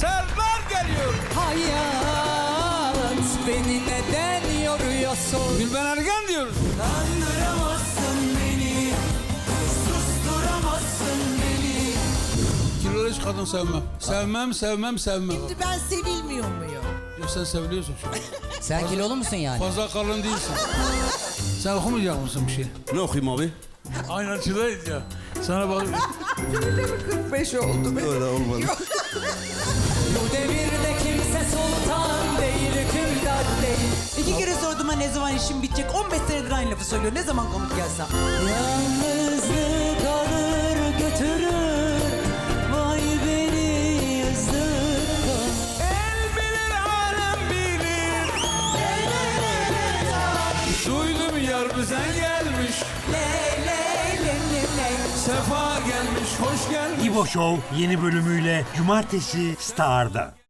Serdar geliyor. Hayat beni neden yoruyorsun? Gülben Ergen diyoruz. Kandıramazsın beni, susturamazsın beni. Kilolu hiç kadın sevmem. Sevmem. Şimdi ben sevilmiyor muyum? Yok sen seviliyorsun şu an. Sen kilolu musun yani? Fazla kalın değilsin. Sen okumayacak mısın bir şey? Ne okuyayım abi? Aynancıdayız ya. Sana bak. 45 oldu. Öyle olmadı. Bu devirde kimse sultan değil, hükümdar değil. 2 kere sordum ha ne zaman işim bitecek. 15 senedir aynı lafı söylüyor. Ne zaman konuk gelsem. Yalnızlık alır götürür, vay beni yazık. El bilir alem bilir. Duydum yar bizden gelmiş. Sefa gelmiş, hoş gelmiş. İbo Show yeni bölümüyle Cumartesi Star'da.